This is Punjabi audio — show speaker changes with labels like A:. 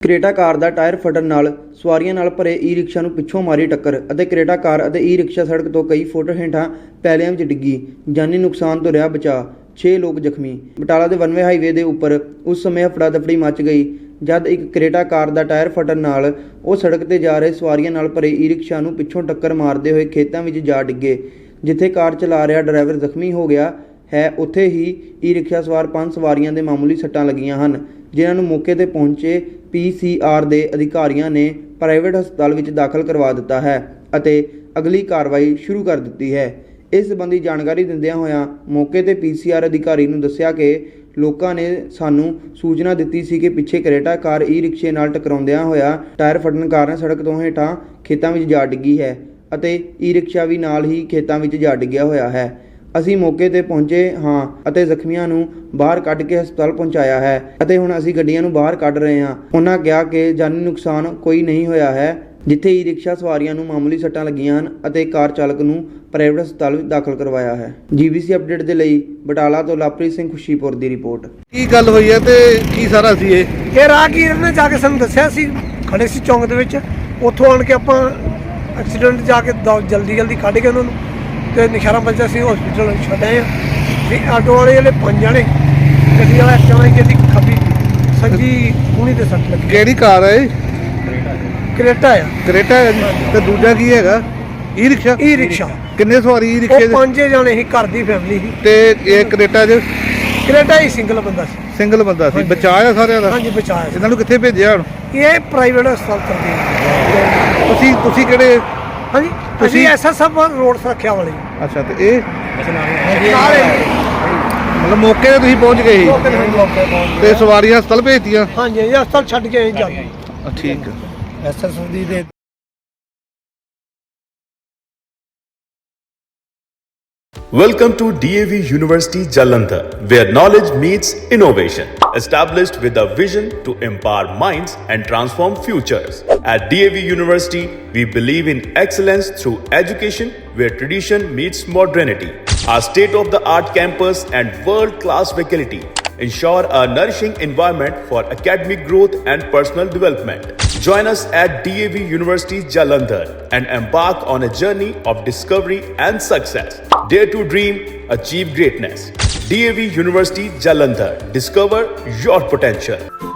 A: ਕਰੇਟਾ ਕਾਰ ਦਾ ਟਾਇਰ ਫਟਣ ਨਾਲ ਸਵਾਰੀਆਂ ਨਾਲ ਭਰੇ ਈ-ਰਿਕਸ਼ਾ ਨੂੰ ਪਿੱਛੋਂ ਮਾਰੀ ਟੱਕਰ ਅਤੇ ਕਰੇਟਾ ਕਾਰ ਅਤੇ ਈ-ਰਿਕਸ਼ਾ ਸੜਕ ਤੋਂ ਕਈ ਫੁੱਟ ਹੇਠਾਂ ਪੈਲੀਆਂ ਵਿੱਚ ਡਿੱਗੀ। ਜਾਨੀ ਨੁਕਸਾਨ ਤੋਂ ਰਿਹਾ ਬਚਾਅ। 6 ਲੋਕ ਜ਼ਖਮੀ। ਬਟਾਲਾ ਦੇ ਵਨਵੇ ਹਾਈਵੇ ਦੇ ਉੱਪਰ ਉਸ ਸਮੇਂ ਹਫੜਾ-ਦਫੜੀ ਮਚ ਗਈ ਜਦ ਇੱਕ ਕਰੇਟਾ ਕਾਰ ਦਾ ਟਾਇਰ ਫਟਣ ਨਾਲ ਉਹ ਸੜਕ ਤੇ ਜਾ ਰਹੇ ਸਵਾਰੀਆਂ ਨਾਲ ਭਰੇ ਈ-ਰਿਕਸ਼ਾ ਨੂੰ ਪਿੱਛੋਂ ਟੱਕਰ ਮਾਰਦੇ ਹੋਏ ਖੇਤਾਂ ਵਿੱਚ ਜਾ ਡਿੱਗੇ। ਜਿੱਥੇ ਕਾਰ ਚਲਾ ਰਿਹਾ ਡਰਾਈਵਰ ਜ਼ਖਮੀ ਹੋ ਗਿਆ ਹੈ, ਉੱਥੇ ਹੀ ਈ-ਰਿਕਸ਼ਾ ਸਵਾਰ 5 ਸਵਾਰੀਆਂ ਦੇ ਮਾਮੂਲੀ ਸੱਟਾਂ ਲੱਗੀਆਂ ਹਨ, ਜਿਨ੍ਹਾਂ ਨੂੰ ਮੌਕੇ ਤੇ ਪਹੁੰਚੇ PCR ਦੇ ਅਧਿਕਾਰੀਆਂ ਨੇ ਪ੍ਰਾਈਵੇਟ ਹਸਪਤਾਲ ਵਿੱਚ ਦਾਖਲ ਕਰਵਾ ਦਿੱਤਾ ਹੈ ਅਤੇ ਅਗਲੀ ਕਾਰਵਾਈ ਸ਼ੁਰੂ ਕਰ ਦਿੱਤੀ ਹੈ। ਇਸ ਸੰਬੰਧੀ ਜਾਣਕਾਰੀ ਦਿੰਦਿਆਂ ਹੋਇਆਂ ਮੌਕੇ ਤੇ PCR ਅਧਿਕਾਰੀ ਨੂੰ ਦੱਸਿਆ ਕਿ ਲੋਕਾਂ ਨੇ ਸਾਨੂੰ ਸੂਚਨਾ ਦਿੱਤੀ ਸੀ ਕਿ ਪਿੱਛੇ ਕਰੇਟਾ ਕਾਰ ਈ-ਰਿਕਸ਼ੇ ਨਾਲ ਟਕਰਾਉਂਦਿਆਂ ਹੋਇਆ ਟਾਇਰ ਫਟਣ ਕਾਰਨ ਸੜਕ ਤੋਂ ਹੇਠਾਂ ਖੇਤਾਂ ਵਿੱਚ ਜਾ ਡਿੱਗੀ ਹੈ ਅਤੇ ਈ-ਰਿਕਸ਼ਾ ਵੀ ਨਾਲ ਹੀ ਖੇਤਾਂ ਵਿੱਚ ਜਾ ਡਿੱਗਿਆ ਹੋਇਆ ਹੈ। ਅਸੀਂ ਮੌਕੇ ਤੇ ਪਹੁੰਚੇ ਹਾਂ ਅਤੇ ਜ਼ਖਮੀਆਂ ਨੂੰ ਬਾਹਰ ਕੱਢ ਕੇ ਹਸਪਤਾਲ ਪਹੁੰਚਾਇਆ ਹੈ ਅਤੇ ਹੁਣ ਅਸੀਂ ਗੱਡੀਆਂ ਨੂੰ ਬਾਹਰ ਕੱਢ ਰਹੇ ਹਾਂ। ਉਹਨਾਂ ਕਿਹਾ ਕਿ ਜਾਨੀ ਨੁਕਸਾਨ ਕੋਈ ਨਹੀਂ ਹੋਇਆ ਹੈ, ਜਿੱਥੇ ਈ-ਰਿਕਸ਼ਾ ਸਵਾਰੀਆਂ ਨੂੰ ਮਾਮੂਲੀ ਸੱਟਾਂ ਲੱਗੀਆਂ ਹਨ ਅਤੇ ਕਾਰ ਚਾਲਕ ਨੂੰ ਪ੍ਰਾਈਵੇਟ ਹਸਪਤਾਲ ਵਿੱਚ ਦਾਖਲ ਕਰਵਾਇਆ ਹੈ। GBC ਅਪਡੇਟ ਦੇ ਲਈ ਬਟਾਲਾ ਤੋਂ ਲਵਪ੍ਰੀਤ ਸਿੰਘ ਖੁਸ਼ੀਪੁਰ ਦੀ ਰਿਪੋਰਟ।
B: ਕੀ ਗੱਲ ਹੋਈ ਹੈ ਤੇ ਕੀ ਸਾਰਾ ਸੀ ਇਹ
C: ਰਾਹਗੀਰ ਨੇ ਜਾ ਕੇ ਸਾਨੂੰ ਦੱਸਿਆ ਸੀ, ਖੜੇ ਸੀ ਚੌਂਕ ਦੇ ਵਿੱਚ, ਉੱਥੋਂ ਆਣ ਕੇ ਆਪਾਂ ਐਕਸੀਡੈਂਟ ਜਾ ਕੇ ਜਲਦੀ ਕੱਢ ਕੇ ਉਹਨਾਂ ਨੂੰ ਤੇ ਨਿਸ਼ਾਰਾ ਬੱਚਾ ਸੀ ਹਸਪੀਟਲ ਛੱਡ ਆਏ ਆ। ਤੇ ਆਟੋ ਵਾਲੇ ਜਿਹੜੇ 5 ਜਣੇ, ਗੱਡੀ ਵਾਲਾ ਇੱਕ ਜਣਾ ਜਿਹਦੀ ਖੱਬੀ ਸੱਜੀ ਕੂਹਣੀ ਤੇ ਸੱਟ ਲੱਗੀ।
B: ਕਿਹੜੀ ਕਾਰ ਹੈ ਇਹ?
C: ਕਰੇਟਾ ਆ।
B: ਕਰੇਟਾ ਹੈ ਜੀ। ਤੇ ਦੂਜਾ ਕੀ ਹੈਗਾ? ਈ-ਰਿਕਸ਼ਾ।
C: ਈ-ਰਿਕਸ਼ਾ
B: ਕਿੰਨੇ ਸਵਾਰੀ ਈ-ਰਿਕਸ਼ੇ ਦੇ?
C: 5 ਜਣੇ ਸੀ, ਘਰ ਦੀ ਫੈਮਿਲੀ ਸੀ।
B: ਤੇ ਇਹ ਕਰੇਟਾ ਚ
C: ਕਰੇਟਾ ਹੀ ਸਿੰਗਲ ਬੰਦਾ ਸੀ।
B: ਸਿੰਗਲ ਬੰਦਾ ਸੀ। ਬਚਾਇਆ ਸਾਰਿਆਂ ਦਾ?
C: ਹਾਂਜੀ ਬਚਾਇਆ।
B: ਇਹਨਾਂ ਨੂੰ ਕਿੱਥੇ ਭੇਜਿਆ ਹੁਣ?
C: ਇਹ ਪ੍ਰਾਈਵੇਟ ਹਸਪਤਾਲ ਕਰਦੇ।
B: ਤੁਸੀਂ ਕਿਹੜੇ?
C: ਹਾਂਜੀ ਤੁਸੀਂ SSF ਰੋਡ ਸੁਰੱਖਿਆ ਵਾਲੇ।
B: ਅੱਛਾ, ਤੇ ਇਹ
C: ਸਾਰੇ
B: ਮਤਲਬ ਮੌਕੇ ਤੇ ਤੁਸੀਂ ਪਹੁੰਚ ਗਏ ਸੀ ਤੇ ਸਵਾਰੀਆਂ ਹਸਪਤਾਲ ਭੇਜਤੀਆਂ?
C: ਹਾਂਜੀ ਹਸਪਤਾਲ ਛੱਡ ਕੇ ਆਏ ਜਾਂਦੇ।
B: ਠੀਕ ਹੈ।
C: SSF ਦੀ ਦੇ
D: Welcome to DAV University Jalandhar, where knowledge meets innovation. Established with a vision to empower minds and transform futures. At DAV University, we believe in excellence through education where tradition meets modernity. Our state-of-the-art campus and world-class faculty ensure a nourishing environment for academic growth and personal development. Join us at DAV University Jalandhar and embark on a journey of discovery and success. Dare to dream, achieve greatness. DAV University Jalandhar. Discover your potential.